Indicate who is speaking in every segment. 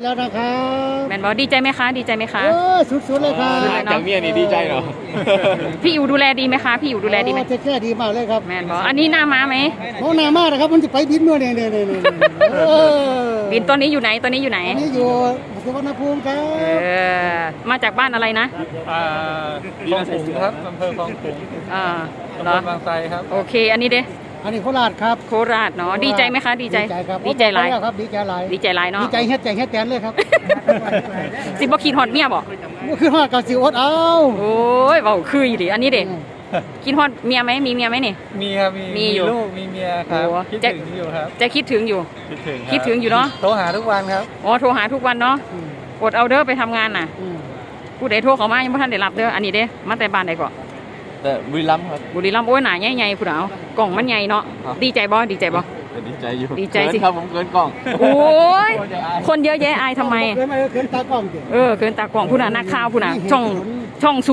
Speaker 1: แล้วนะครับ
Speaker 2: แมนบอดีใจไหมคะดีใจไหมคะ
Speaker 1: สุดๆเลยครับ
Speaker 3: จากเมียนี่ดีใจเหรอ
Speaker 2: พี่อยู่ดูแลดีไหมคะพี่อยู่ดูแลดีไหม
Speaker 1: จะแค่ดีมากเลยครับ
Speaker 2: แมนบออันนี้หน้าม้าไหม
Speaker 1: น้องหน้ามากนะครับมันจะไปบินด้วยเนี่ย
Speaker 2: บินตัวนี้อยู่ไหนตัวนี้อยู่ไหน
Speaker 1: นี่อยู่สุวรรณภูมิครับ
Speaker 2: มาจากบ้านอะไรนะ
Speaker 3: คลองขุงครับอำเภอคลองขุง
Speaker 2: เหรอบ
Speaker 3: างไทรครับ
Speaker 2: โอเคอันนี้เด้
Speaker 1: อันนี้โคราชครับ
Speaker 2: โคราชเนาะดีใจไหมคะดีใจ
Speaker 1: ครับ
Speaker 2: ดีใจหลาย
Speaker 1: ครับดีใจหลาย
Speaker 2: ดีใจหลายเนาะ
Speaker 1: ดีใจเฮ็ดใจเฮ็ดแตนเลยครับ
Speaker 2: สิบ่คิดฮอดเมียบ่
Speaker 1: คือฮอดกับสิอดเอา
Speaker 2: โอ้ยเว้าคืออีหลีอันนี้เด้คิดฮอดเมียไหมมีเมียไหมนี่
Speaker 3: มีครับมี
Speaker 2: ลู
Speaker 3: กมีเมียครับคิดถึงอยู่ครับ
Speaker 2: จะคิดถึงอยู่คิดถึงอยู่เนาะ
Speaker 3: โทรหาทุกวันครับ
Speaker 2: อ๋อโทรหาทุกวันเนาะอดเอาเด้อไปทำงานน่ะผู้ใดโทรเข้ามายังบ่ทันได้รับเด้ออันนี้เด้มาแต่บ้านใดก่อน
Speaker 3: แต่บุรีรัมย์ครับ
Speaker 2: บุรีรัมย์โอ้ยหนาใหญ่ๆผู้ดาวกล่องมันใหญ่เนาะดีใจบ่ดีใจบ่
Speaker 3: ดีใจอยู่
Speaker 2: ดีใจสิ
Speaker 3: ครับผมเกินกล่อง
Speaker 2: โอ้ยคนเยอะแยะอายทำไม
Speaker 1: เกินตากล้อง
Speaker 2: เกินตากล้องผู้น่ะนักข่าวผู้น่ะช่อง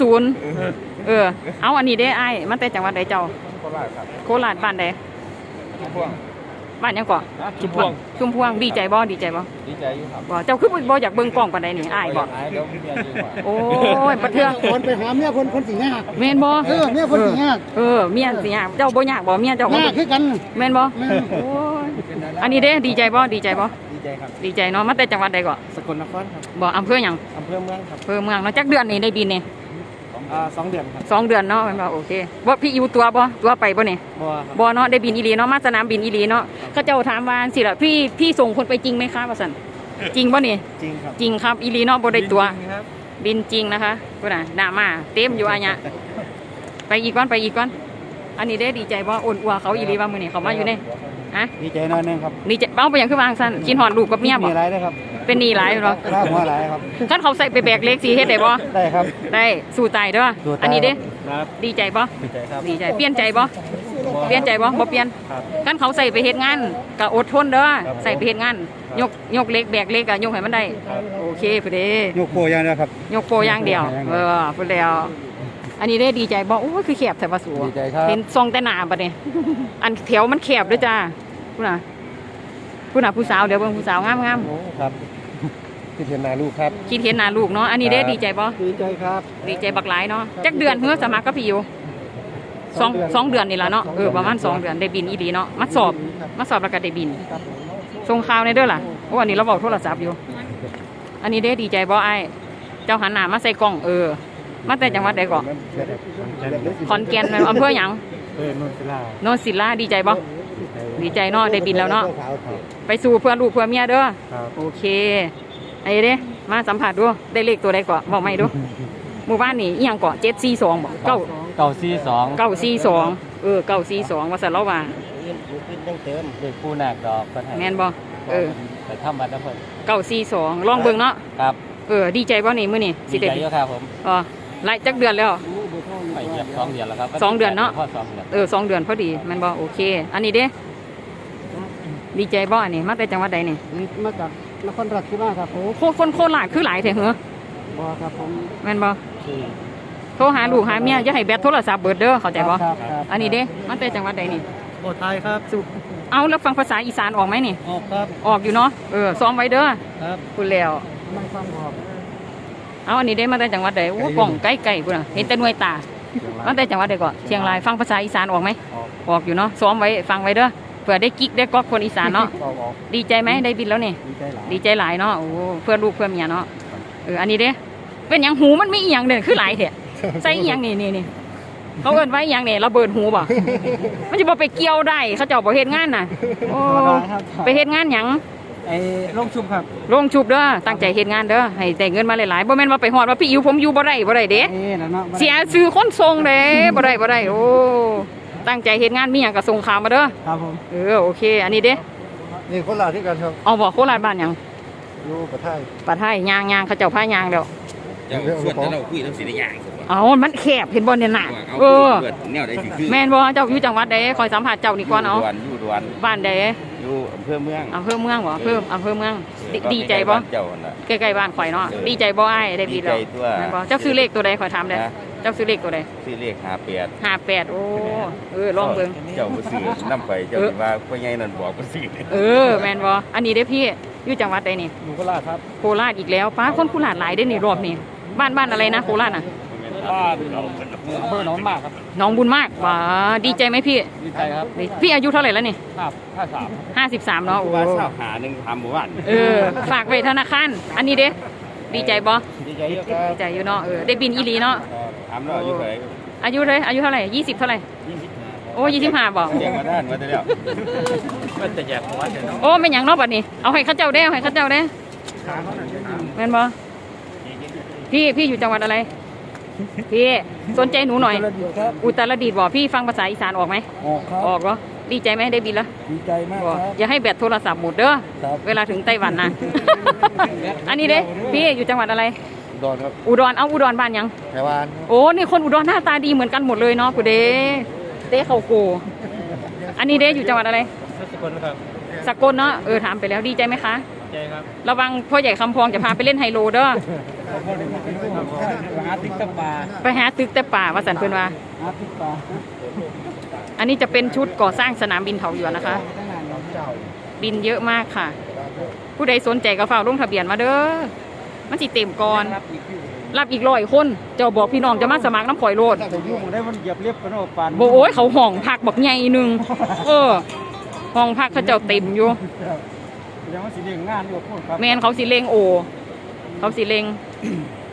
Speaker 2: 000เอาอันนี้เด้อายมันแต่จังหวัดใดเจ้าโคราชบ้านใดบ้านยังก่อชุมพวงดีใจบ่ดีใจบ่
Speaker 3: ดีใจอยู่ครับ
Speaker 2: บ่เจ้าคือบ่อยากเบิ่งกล้องปานใดนี่อายบ่โอ้ยประเทือง
Speaker 1: คนไปหาเมียคนสิยาก
Speaker 2: แม่นบ่
Speaker 1: เมียคนสิยาก
Speaker 2: เมียสิยากเจ้าบ่ยากบ่เมียเจ้าบ่
Speaker 1: คือกัน
Speaker 2: แม่นบ่โอ้ยอันนี้เด้ดีใจบ่ดีใจบ่
Speaker 3: ดีใจครับ
Speaker 2: ดีใจเนาะมาแต่จังหวัดใดก่อ
Speaker 3: สกลนครครับ
Speaker 2: บ่อำเภอหยัง
Speaker 3: อำเภอเมืองครับ
Speaker 2: อำเภอเมืองเนาะจักเดือนนี่ได้บินนี่
Speaker 3: 2 เดือนครับ
Speaker 2: 2 เดือนเนาะแม่นบ่โอเคบ่พี่อยู่ตัวไปบ่นี่บ่เนาะได้บินอีหลีเนาะมาสนามบินอีหลีเนาะเขาเจ้าถามว่าสิล่ะพี่ส่งคนไปจริงไหมคะว่าซั่นจริงบ่นี่
Speaker 3: จริงครับ
Speaker 2: จริงครับอีหลีเนาะบ่ได้ตัวบินจริงนะคะพุ่นน่ะหน้ามาเต็มอยู่อันเนี้ยไปอีกก่อนอันนี้ได้ดีใจบ่อ่อนอัวเขาอีหลีว่ามื้อนี้เขามาอยู่นี่
Speaker 3: ดีใจน้อยนึงครับ
Speaker 2: ดีใจเป้าไปอย่างคือวางซั่นกินหอดลูกกับเมียบ่
Speaker 3: มีหลายเด้อครับ
Speaker 2: เป็นหนี้หลายบ่
Speaker 3: ค่าหัวหลายครับ
Speaker 2: คันเขาใส่ไปแบกเล็กสิเฮ็ดได้บ่
Speaker 3: ได้ครับ
Speaker 2: ได้สู้ตายเด้ออันนี้เด้ดีใจบ่
Speaker 3: ดีใจครับ
Speaker 2: ดีใจเปลี่ยนใจบ่บ่เปลี่ยนคันเขาใส่ไปเฮ็ดงานก็อดทนเด้อใส่ไปเฮ็ดงานยกเล็กแบกเล็กก็ยกให้มันได้โอเคพุ่นเด้
Speaker 3: ยกโปอย่างเดียวครับ
Speaker 2: ยกโปอย่างเดียวพุ่นแล้วอันนี้ได้ดีใจบ่โอ้ยคือแคบแท้ว่าสูเห็นทรงแต่หน้าบัดนี้อันแถวมันแคบเด้อจ้าพุ่นน่ะผู้สาวเดี๋ยวเบิ่งผู้สาวงาม
Speaker 3: ครับคิดเห็นหน้าลูกครับ
Speaker 2: คิดเห็นหน้าลูกเนาะอันนี้ได้ดีใจบ่
Speaker 1: ดีใจครับ
Speaker 2: ดีใจบักหลายเนาะจักเดือนเฮือสมัครกับพี่อยู่2 เดือนนี่ล่ะเนาะประมาณ2 เดือนได้บินอีหลีเนาะมาสอบแล้วก็ได้บินส่งข่าวในเด้อล่ะโอ้อันนี้เราบอกโทรศัพท์อยู่อันนี้ได้ดีใจบ่อ้ายเจ้าหันหน้ามาใส่กล้องมาแต่จังหวัดใดก่อนขอนแก่นอำเภอหยังโนนศิลาดีใจบ่ดีใจเนาะได้บินแล้วเนาะไปสู่เพื่อลูกเพื่อเมียเด้อโอเคไอ้เด้มาสัมผัสดูได้เลขตัวใดก่อนบอกไม่ดูหมู่บ้านนี่อีหยังก่อน742บ่
Speaker 3: 942
Speaker 2: 942ว่าซั่นแล้วว่า
Speaker 3: เติมเด็กผู้หนักดอก
Speaker 2: แม่นบ่
Speaker 3: ไปทำบัตรแล้วเพิ่น
Speaker 2: 942ลองเบิ่งเนาะ
Speaker 3: ครับ
Speaker 2: ดีใจบ่นี่มื้อนี้
Speaker 3: สิได้อยู่ครับผม
Speaker 2: หลายจักเดือนแล้ว
Speaker 3: ไปเกือบ2 เดือนแล้วครับ
Speaker 2: 2 เดือนเนาะ2 เดือนพอดีแม่นบ่โอเคอันนี้เด้ดีใจบ่อันนี้มาแต่จังหวัดใดนี่
Speaker 1: มาจากนครราชสีมาครับ
Speaker 2: โอ้คนโคราชคือหลายแท้เหรอ
Speaker 1: บ่ครับผม
Speaker 2: แม่นบ่โทรหาลูกหาเมียอย่าให้แบตโทรศัพท์เบิดเด้อเข้าใจบ่อันนี้เด้มาแต่จังหวัดใดนี่
Speaker 1: ไทยครับ
Speaker 2: เอาแล้วฟังภาษาอีสานออกไหมนี่
Speaker 1: ออกครับ
Speaker 2: ออกอยู่เนาะซ้อมไว้เด้อ
Speaker 1: ครับ
Speaker 2: พูดแล้ว
Speaker 1: ไม่ฟังออก
Speaker 2: เอาอันนี้ได้มาแต่จังหวัดใดโอ้กล่องใกล้ๆพุ่นน่ะเห็นแต่หน่วยตามาแต่จังหวัดใดก่อนเชียงรายฟังภาษาอีสานออกไหมออกอยู่เนาะซ้อมไว้ฟังไว้เด้อเผื่อได้กิ๊กได้ก๊อกคนอีสานเนาะดีใจไหมได้บินแล้วนี่ดีใจหลายเนาะโอ้เพื่อลูกเพื่อเมียเนาะอันนี้เด้เป็นอย่างหูมันไม่อีหยังเด่นคือหลายแท้ใส่อีหยังนี่เขาเอิ้นไว้อีหยังเนี่ยเราเบิดหูบ่มันจะบ่ไปเกี่ยวได้เขาเจ้าบ่เฮ็ดงานน่ะโอ้ไปเฮ็ดงานหยัง
Speaker 1: ลงชุบครับ
Speaker 2: ลงชุบเด้อตั้งใจเฮ็ดงานเด้อให้ได้เงินมาหลายๆบ่แม่นว่าไปฮอดว่าพี่อิ๋วผมอยู่บ่ได้เด้เสียชื่อคนส่งเด้บ่ได้โอ้ตั้งใจเฮ็ดงานมีหยังก็ส่งข่าวมาเด้อ
Speaker 1: ครับผม
Speaker 2: โอเคอันนี้เด้
Speaker 1: นี่โคราชที่กันครับ
Speaker 2: เอาบ่โคราชบ้านหยัง
Speaker 1: อยู่ป
Speaker 2: ะไทยย่างเขาเจ้าพายางแล้ว
Speaker 3: เจ้าส่วนเราคุยต้องสิได้ย่าง
Speaker 2: มันแคบเห็นบ่เนี่ยน่ะ
Speaker 3: แนวใดสิคือ
Speaker 2: แม่นบ่เจ้าอยู่จังหวัดใดคอยสัมภาษณ์เจ้านี่ก่อนเอา
Speaker 3: อยู่ดวน
Speaker 2: บ้านใด
Speaker 3: อยู่อำเภอเมือง
Speaker 2: บ่อำเภอเมืองดีใจบ่ใกล้ๆบ้านข่อยเนาะดีใจบ่อ้ายได้บินแล้วแม่นบ่เจ้าซื้อเลขตัวใดข่อยถามได้เจ้าซื้อเลขตัวใด
Speaker 3: ซื้อเลข
Speaker 2: 58โอ้ลองเบิ่ง
Speaker 3: เจ้าบ่ซื้อนำไปเจ้าสิว่าพ่อใหญ่นั่นบอกบ่ซื้อ
Speaker 2: แม่นบ่อันนี้เด้พี่อยู่จังหวัดใดนี่
Speaker 1: อยู่โคราชครับ
Speaker 2: โคราชอีกแล้วป้าคนโคราชหลายได้อนี่รอบนี้บ้านอะไรนะโคราชน่ะ
Speaker 1: บ้านอำเภอหนองมากครับ
Speaker 2: น้องบุญมากว้าดีใจไหมพี่
Speaker 1: ดีใจครับ
Speaker 2: พี่อายุเท่าไหร่แล้วนี่
Speaker 1: 53
Speaker 2: 53เนาะโอ้
Speaker 3: ว่าเช้าหาหนึ่งทำหมู่บ้าน
Speaker 2: ฝากไว้ธนาคารอันนี้เด้ดีใจบ่
Speaker 1: ดีใจเยอะครับ
Speaker 2: ดีใจอยู่เนาะได้บินอีหลีเนาะ
Speaker 3: ถามเราอยู่ไหน
Speaker 2: อายุเท่าไหร่20เท่าไหร่โอ้25บ่
Speaker 3: เรียงมาด้านมาได้แล้ว
Speaker 1: มันจะแยกหัวเนาะ
Speaker 2: โอ้ไม่หยังเนาะบัดนี้เอาให้เขาเจ้าได้เอาให้เขาเจ้าได้
Speaker 1: ขาเขาหน่อย
Speaker 2: แม่นบ่พี่อยู่จังหวัดอะไรพี่สนใจหนูหน่อย
Speaker 1: ครับ
Speaker 2: อุตรดิตถ์บ่พี่ฟังภาษาอีสานออกไหม
Speaker 1: ออกครับ
Speaker 2: ออกเหรอดีใจไหมได้บินแล้ว
Speaker 1: ดีใจมาก
Speaker 2: บ่
Speaker 1: ครับ
Speaker 2: อย่าให้แบตโทรศัพท์หมดเด้อ
Speaker 1: ครับ
Speaker 2: เวลาถึงไต้หวันนะ อันนี้เด้พี่อยู่จังหวัดอะไร
Speaker 1: ดอนครับ
Speaker 2: อุดรเอาอุดรบ้านยัง
Speaker 1: แถวาน
Speaker 2: โอ้นี่คนอุดรหน้าตาดีเหมือนกันหมดเลยเนาะกูเด้เต้เขาโก อันนี้เด้อยู่จังหวัดอะไร
Speaker 1: สกลครับ
Speaker 2: สกลเนาะถามไปแล้วดีใจไหมคะ
Speaker 1: ใจครับ
Speaker 2: ระวังพ่อใหญ่คำพองจะพาไปเล่นไฮโลเด้อ
Speaker 1: หาติ๊กตะปา
Speaker 2: ไปหาตึกแต่ป่าว่าสันเพิ่นว่า
Speaker 1: หาติ๊กปา
Speaker 2: อันนี้จะเป็นชุดก่อสร้างสนามบินเถาหยวนนะคะ บินเยอะมากค่ะ ผู้ใดสนใจก็ฝากลงทะเบียนมาเด้อมันสิเต็มก่อนรับอีก100 คนเจ้าบอกพี่น้องจะมาสมัครน้ำข่อยโลด
Speaker 1: แต่ยุ่งได้มันเหยียบเรียบกันโอ้ปาน
Speaker 2: โบโอ้ยเขาห้องพักบักใหญ่หนึ่งห้องพักเขาเจ้าเต็มอยู่
Speaker 1: ยังว่าสิเรียงงานอยู่พูดครับ
Speaker 2: แมนเขาสิเลงโอ เขาสิเลง